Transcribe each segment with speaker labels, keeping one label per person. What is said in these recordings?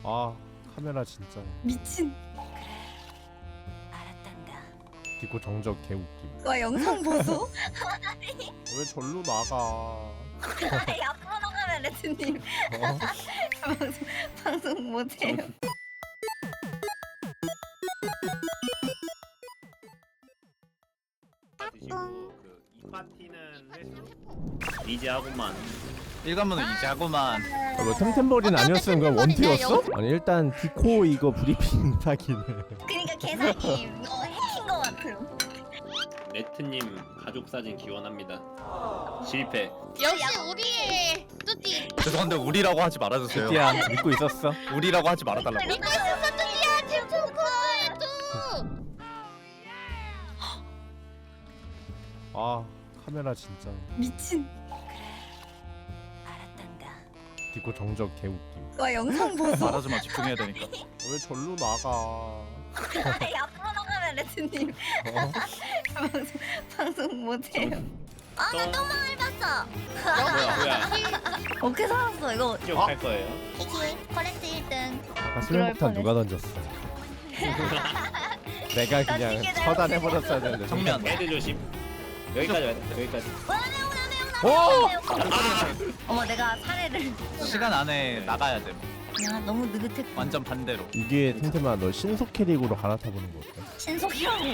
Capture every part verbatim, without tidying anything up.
Speaker 1: 아 카메라 진짜
Speaker 2: 미친.
Speaker 1: 디코 정적 개웃김.
Speaker 2: 와 영상 보소?
Speaker 1: 왜 절로 나가?
Speaker 2: 앞으로 나가면 레트님
Speaker 1: 어?
Speaker 2: 방송, 방송 못해요.
Speaker 3: 이 파티는 회수 이지하고만
Speaker 4: 일관문은 이제 하고만.
Speaker 1: 아, 뭐 템템버린 아니었으면 그냥 원티였어? 아니 일단 디코 이거 브리핑 타기네.
Speaker 2: 그니까 개사기 너 해킹 거 같음.
Speaker 3: 레트님 가족 사진 기원합니다. 실패.
Speaker 5: 역시 우리의 뚜띠.
Speaker 4: 죄송한데 우리라고 하지 말아주세요.
Speaker 1: 뚜띠야 믿고 있었어?
Speaker 4: 우리라고 하지 말아달라고.
Speaker 5: 믿고 있었어 뚜띠야 지금 좋고 뚜.
Speaker 1: 아 카메라 진짜
Speaker 2: 미친.
Speaker 1: 디코 정적 개웃김.
Speaker 2: 와 영상 보소?
Speaker 4: 말하지마, 집중해야 되니까.
Speaker 1: 왜 절로 나가?
Speaker 2: 앞으로 나가면 레트님
Speaker 1: 어?
Speaker 2: 방송, 방송 못해요. 아나 너무 얇았어.
Speaker 3: 뭐야 뭐야.
Speaker 2: 어떻게 살았어 이거?
Speaker 3: 쭉 할 거예요.
Speaker 2: 키키 컬렉트 일 등.
Speaker 1: 아까 수면폭탄 누가 던졌어? 내가 그냥 처단해버렸어야 되는데.
Speaker 4: 정면.
Speaker 3: 헤드 조심. 여기까지 와야 돼. 여기까지.
Speaker 1: 오!
Speaker 2: 어머 내가 사례를.
Speaker 4: 시간 안에 나가야 돼.
Speaker 2: 야 너무 느긋해.
Speaker 4: 완전 반대로.
Speaker 1: 이게 템템아 너 신속 캐릭으로 갈아타보는 거 어때?
Speaker 2: 신속이라고.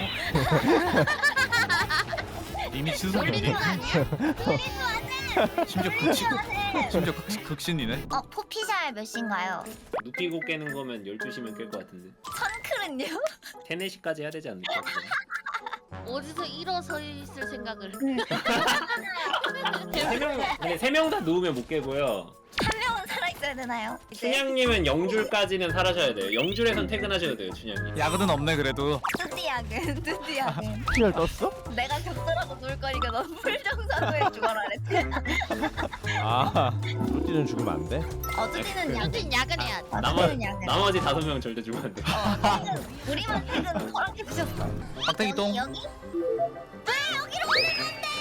Speaker 4: 이미 신속이
Speaker 5: 놀리는 거 아니야?
Speaker 4: 심지어 극신. 심지어 극, 극신이네.
Speaker 2: 어 포피샬 몇 시인가요?
Speaker 3: 눕히고 깨는 거면 열두 시면 깰 것 같은데.
Speaker 2: 선클은요?
Speaker 3: 세네 시까지 해야 되지 않을까?
Speaker 5: 어디서 일어서 있을 생각을.
Speaker 3: 세명 근데 세 명 다 누우면 못 깨고요.
Speaker 2: 한 명은 살아있어야 되나요?
Speaker 3: 춘향님은 영줄까지는 살아셔야 돼요. 영줄에선 퇴근하셔야 돼요, 춘향님.
Speaker 4: 야근은 없네 그래도.
Speaker 2: 뚜띠야근 뚜띠야근.
Speaker 1: 피를 떴어?
Speaker 2: 내가 격돌하고 놀 거니까 넌 풀정사고에 죽어라 그랬지.
Speaker 1: 아 뚜띠는 죽으면 안 돼?
Speaker 2: 어 뚜띠는 야근.
Speaker 5: 뚜띠는 야근해야 돼.
Speaker 2: 아,
Speaker 3: 나머,
Speaker 2: 뚜띠는 야근.
Speaker 3: 나머지 다섯 명 절대 죽으면 안 돼.
Speaker 2: 어, 퇴근. 우리만 퇴근 허락해 주셨어.
Speaker 4: 박태기 똥.
Speaker 2: 여기? 왜 여기로 오는 건데?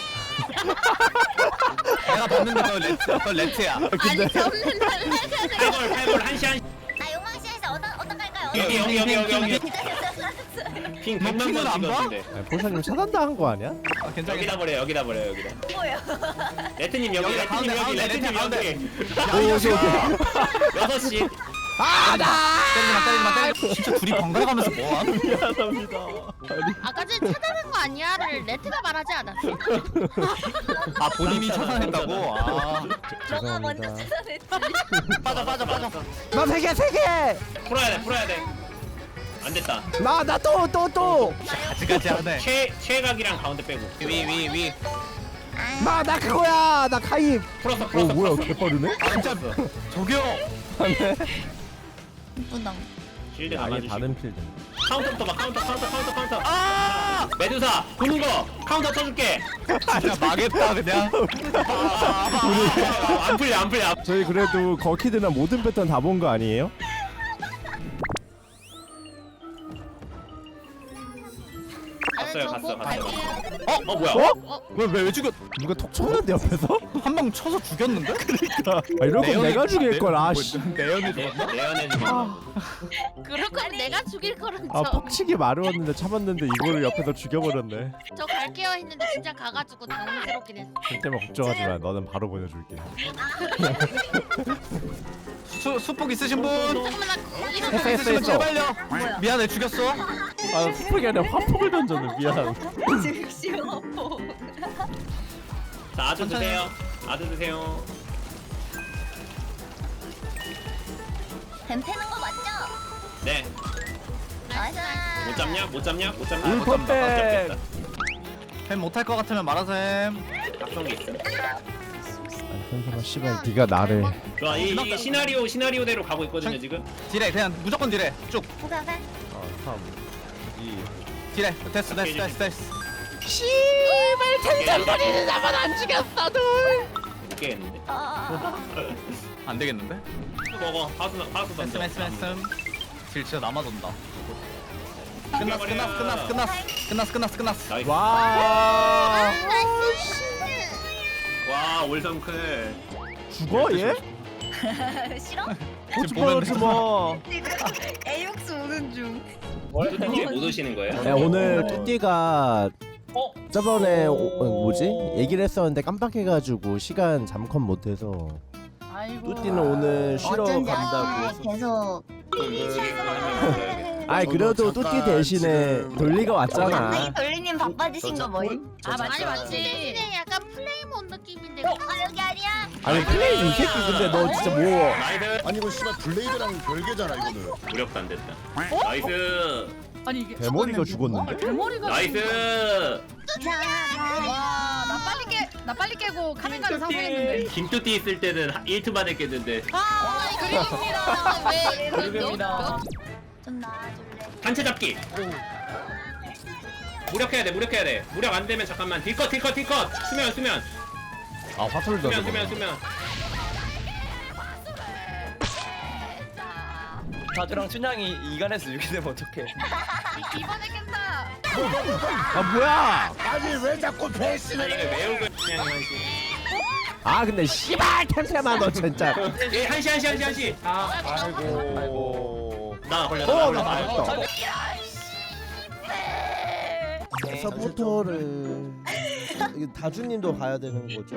Speaker 4: 내가 봤는데 그건 레트, 그건 레트야.
Speaker 5: 아니 저는 달라야 돼.
Speaker 3: 팔골 팔골 한시 한시.
Speaker 2: 나 용왕시에서 어떤 어떤 갈까요?
Speaker 3: 여기 여기 여기 여기 여기. 핑
Speaker 4: 너
Speaker 3: 백만
Speaker 4: 핑은
Speaker 3: 번
Speaker 4: 안 봐?
Speaker 3: 찍었는데.
Speaker 1: 아니, 포샤님 차단당한 거 아니야?
Speaker 4: 아, 괜찮아.
Speaker 3: 여기다 버려 여기다 버려 여기다.
Speaker 2: 뭐야?
Speaker 3: 레트님 여기
Speaker 4: 여기다,
Speaker 3: 레트님
Speaker 4: 가운데,
Speaker 3: 여기
Speaker 4: 가운데,
Speaker 3: 레트님
Speaker 4: 가운데.
Speaker 3: 여기.
Speaker 1: 오 오케이 오케이.
Speaker 3: 여섯 시.
Speaker 4: 때리지마, 때리지마, 때리지마. 진짜 둘이 번갈아 가면서 뭐함?
Speaker 1: 미안합니다.
Speaker 5: 아까 전에 차단한 거 아니야를 레트가 말하지 않았어?
Speaker 4: 아, 본인이 차단했다고? 아.
Speaker 2: 너가 먼저
Speaker 1: 죄송합니다.
Speaker 2: 찾아냈지.
Speaker 4: 빠져, 빠져, 빠져.
Speaker 1: 나 세 개 세 개.
Speaker 3: 풀어야 돼 풀어야 돼. 안 됐다.
Speaker 1: 나 나 또 또 또.
Speaker 4: 아직까지 하네.
Speaker 3: 최 최각이랑 가운데 빼고.
Speaker 4: 위, 위, 위.
Speaker 1: 나 나 그거야. 나 가입.
Speaker 3: 풀었어
Speaker 1: 오
Speaker 3: 풀었어.
Speaker 1: 뭐야
Speaker 3: 풀었어.
Speaker 1: 개빠르네?
Speaker 4: 아, 진짜. 저기요.
Speaker 2: 이쁘다.
Speaker 3: 실드
Speaker 1: 아예
Speaker 3: 감아주시고.
Speaker 1: 다른 필드.
Speaker 3: 카운터부터 봐 카운터 카운터 카운터 카운터.
Speaker 4: 아!
Speaker 3: 메두사 보는 거 카운터 쳐줄게.
Speaker 4: 진짜 망했다, 그냥.
Speaker 3: 아, 안 풀려 안 풀려.
Speaker 1: 저희 그래도 거키드나 모든 패턴 다 본 거 아니에요?
Speaker 3: 갔어요 갔어 갔어.
Speaker 5: 갈게요.
Speaker 3: 어? 어 뭐야?
Speaker 1: 어?
Speaker 4: 왜, 왜, 왜 죽였?
Speaker 1: 누가 톡 쳤는데 옆에서?
Speaker 4: 한 방 쳐서 죽였는데?
Speaker 1: 아 이럴 거면 내가 죽일 걸. 아
Speaker 4: 뭐,
Speaker 1: 씨.
Speaker 4: 내연이
Speaker 3: 내
Speaker 4: 죽었나?
Speaker 3: 내연에 죽었나?
Speaker 5: 그럴 거면 내가 죽일 거는
Speaker 1: 아
Speaker 5: 저.
Speaker 1: 퍽치기 마루었는데 참았는데 이거를 옆에서 죽여버렸네.
Speaker 5: 저 갈게요 했는데 진짜 가가지고 당황스럽긴 했어.
Speaker 1: 템템아 걱정하지 마. 너는 바로 보내줄게.
Speaker 4: 수, 수폭 있으신 분?
Speaker 5: 잠깐만 나 이런
Speaker 1: 했어, 했어,
Speaker 4: 있으시면
Speaker 1: 했어.
Speaker 4: 제발요. 미안해, 죽였어.
Speaker 1: 아 스폭이 아니라 화폭을 던졌네. 미안.
Speaker 2: 즉시요.
Speaker 3: 자 아주 드세요. 아주 드세요.
Speaker 2: 뱀 패는 거 맞죠?
Speaker 3: 네.
Speaker 2: 나이스.
Speaker 3: 못 잡냐? 못 잡냐? 못 잡냐?
Speaker 1: 울
Speaker 3: 못 잡다.
Speaker 1: 퍼펙트.
Speaker 3: 못
Speaker 4: 햄 못할 것 같으면 말하셈.
Speaker 3: 잡겠다. 각성기 있어.
Speaker 1: 아니 템템아 씨발 네가 나를.
Speaker 3: 좋아 이, 이 시나리오 시나리오대로 가고 있거든요 지금.
Speaker 4: 딜해, 그냥 무조건 딜해. 쭉.
Speaker 2: 오케이 오케이.
Speaker 1: 아 삼 이
Speaker 4: 딜해. 됐어, 됐어, 됐어, 됐어.
Speaker 3: 템템버리는 나만 안 죽였어 둘. 못 깨겠는데.
Speaker 2: 아.
Speaker 4: 안 되겠는데?
Speaker 3: 또 먹어. 하수 하수
Speaker 4: 멘스,
Speaker 3: 던져.
Speaker 4: 멘스, 멘스. 딜 진짜 남아돈다. 끝났어, 끝났어, 끝났어, 끝났어. 끝났어, 끝났어, 끝났어.
Speaker 3: 나이스.
Speaker 1: 와
Speaker 3: 와 올성클.
Speaker 1: 죽어 얘?
Speaker 2: 싫어?
Speaker 1: 고집하지 마.
Speaker 2: 애육수 오는 중.
Speaker 3: 뚜띠님 못 오시는 거예요?
Speaker 1: 야, 오늘 뚜띠가
Speaker 4: 어?
Speaker 1: 저번에 오, 어, 뭐지? 얘기를 했었는데 깜빡해가지고 시간 잠컨 못해서
Speaker 5: 아이고.
Speaker 1: 뚜띠는 오늘 쉬러
Speaker 2: 어쩐지
Speaker 1: 간다고.
Speaker 2: 아침에 계속.
Speaker 1: 아이 그래도
Speaker 6: 저도
Speaker 1: 뚜띠
Speaker 6: 잠깐
Speaker 1: 대신에
Speaker 6: 지금
Speaker 1: 돌리가
Speaker 2: 아니
Speaker 1: 왔잖아.
Speaker 2: 돌리님 바빠지신 거 뭐임?
Speaker 5: 아 맞지
Speaker 6: 잠깐-
Speaker 5: 맞지. 대신에 약간 플레이몬 느낌인데.
Speaker 2: 아 여기 아니야?
Speaker 1: 아니 플레이 이 새끼 근데 너 진짜 뭐?
Speaker 3: 나이스.
Speaker 6: 아니 이거 씨발 블레이드랑 별개잖아 이거는.
Speaker 3: 무력도 안 됐다. 나이스.
Speaker 5: 아니 이게
Speaker 1: 대머리가 죽었는데?
Speaker 5: 대머리가.
Speaker 3: 나이스.
Speaker 5: 와나 빨리 깨. 나 빨리 깨고 카메라를 상상했는데.
Speaker 3: 김뚜띠 있을 때는 일 트 만에 깼는데
Speaker 5: 아 그림입니다. 왜?
Speaker 4: 그림입니다.
Speaker 2: 좀 나와줄래?
Speaker 3: 단체 잡기. 무력해야 돼. 무력해야 돼. 무력 안 되면 잠깐만. 딜컷 딜컷 딜컷. 수면 수면.
Speaker 1: 아 화풀도
Speaker 3: 수면 수면 수면.
Speaker 4: 다주랑 춘향이 이간에서 이렇게 되면 어떡해?
Speaker 5: 이번에 깬다.
Speaker 1: 아 뭐야?
Speaker 6: 아니 왜 자꾸
Speaker 3: 아
Speaker 6: 배신을
Speaker 3: 이거
Speaker 6: 해?
Speaker 3: 매우 그냥 한시.
Speaker 1: 아 근데 씨발 템템아 너 진짜.
Speaker 3: 예 한시 한시 한시 한시. 아
Speaker 6: 아이고.
Speaker 3: 나 걸렸다.
Speaker 1: 어,
Speaker 3: 나
Speaker 1: 나
Speaker 3: 걸렸다.
Speaker 1: 맞았다. 서포터를 이거 다주님도 봐야 되는 거죠?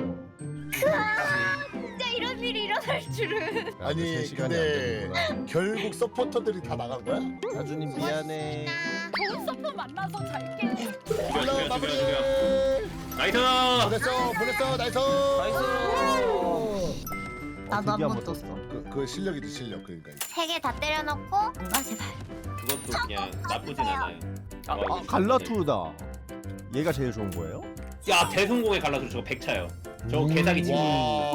Speaker 2: 진짜 이런 일이 일어날 줄은.
Speaker 6: 아니 근데 결국 서포터들이 다 나간 거야?
Speaker 1: 다주님 미안해.
Speaker 5: 좋은 서프 만나서 잘 깨.
Speaker 3: 죽여
Speaker 6: 힐러
Speaker 3: 죽여
Speaker 6: 마무리.
Speaker 3: 죽여 죽여. 나이스.
Speaker 6: 보냈어 보냈어 나이스.
Speaker 4: 나이스.
Speaker 2: 나도
Speaker 1: 드디어
Speaker 2: 한번
Speaker 1: 한번
Speaker 2: 떴어.
Speaker 6: 그, 그 실력이지 실력 그러니까.
Speaker 2: 세 개 다 때려놓고. 아 제발.
Speaker 3: 그것도 그냥 나쁘진 않아요.
Speaker 4: 아,
Speaker 3: 어,
Speaker 1: 아 갈라투다. 얘가 제일 좋은 거예요?
Speaker 3: 야 대성공의 갈라서 저거 백 차요. 저거
Speaker 1: 음.
Speaker 3: 개사기 친.
Speaker 6: 와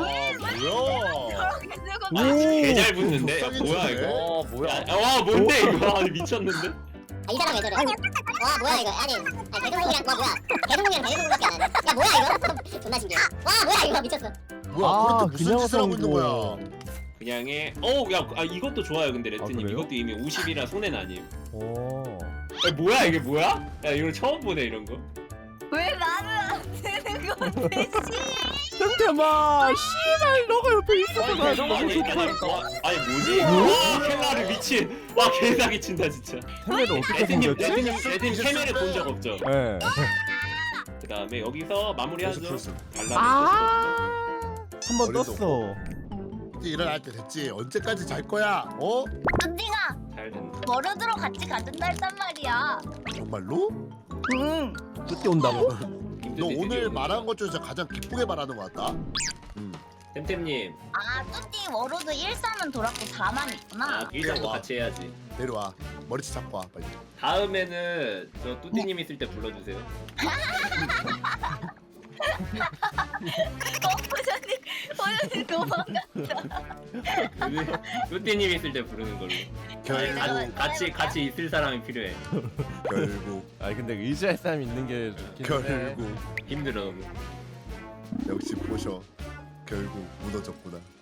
Speaker 6: 뭐야?
Speaker 3: 개잘 붙는데. 야,
Speaker 6: 불쌍해
Speaker 3: 뭐야
Speaker 6: 주네.
Speaker 3: 이거?
Speaker 4: 어 뭐야?
Speaker 3: 야, 와 뭔데 이거? 아니 미쳤는데?
Speaker 7: 아, 이 사람 왜 저래? 와 뭐야 이거? 아니, 아니 대동공이랑 와 뭐야? 대동공이랑 대동공밖에 안 하네. 야 뭐야 이거? 존나 신기해. 와 뭐야 이거 미쳤어.
Speaker 6: 뭐야?
Speaker 1: 아,
Speaker 6: 그렇게 무슨
Speaker 1: 그냥
Speaker 6: 짓을 하고 있는 거야?
Speaker 1: 성공.
Speaker 3: 그냥의 어야 아, 이것도 좋아요 근데 레트님
Speaker 1: 그래요?
Speaker 3: 이것도 이미 오십이라 손해는 아니에요.
Speaker 1: 오.
Speaker 3: 야, 뭐야 이게 뭐야? 야 이거 처음 보네 이런 거.
Speaker 2: 왜 나는 안 되는 건데 씨.
Speaker 1: 템템아 씨발 너가 옆에 있어서 나
Speaker 4: 대성공
Speaker 1: 너무
Speaker 3: 아니,
Speaker 1: 좋다.
Speaker 3: 아니, 와, 아니 뭐지? 와 켈라를 미친. 와 개사기 친다 진짜.
Speaker 1: 템레를 어떻게
Speaker 3: 레트님
Speaker 1: 생겼지?
Speaker 3: 레트님 레트님 캐메를 본 적 없죠?
Speaker 1: 예.
Speaker 3: 그 다음에 여기서 마무리하죠.
Speaker 6: 그래서
Speaker 3: 달라.
Speaker 1: 아. 한 번
Speaker 6: 머리도
Speaker 1: 떴어.
Speaker 6: 이제 일어날 때 됐지. 언제까지 잘 거야? 어?
Speaker 2: 뚜띠가
Speaker 3: 잘 된다.
Speaker 2: 머르드로 같이 가준다 했단 말이야.
Speaker 6: 정말로?
Speaker 2: 응.
Speaker 1: 뚜띠 온다고?
Speaker 6: 너 오늘 말한 것 중에서 가장 기쁘게 말하는 것 같다. 음.
Speaker 3: 템템님
Speaker 2: 아 뚜띠 워로드 일, 삼은 돌았고 사만 있구나.
Speaker 3: 아 일장도 같이 해야지.
Speaker 6: 내려와. 머리채 잡고 와 빨리.
Speaker 3: 다음에는 저 뚜띠님 있을 때 불러주세요.
Speaker 2: 어 보자님 보자님 도망가.
Speaker 3: 뚜띠님 있을 때 부르는 걸로.
Speaker 6: 결국
Speaker 3: 가- 같이 같이 있을 사람이 필요해.
Speaker 6: 결국
Speaker 1: 아 근데 의지할 사람 있는 게 좋긴 해.
Speaker 6: 결국
Speaker 3: 힘들어 너무.
Speaker 6: 역시 보셔. 결국 무너졌구나.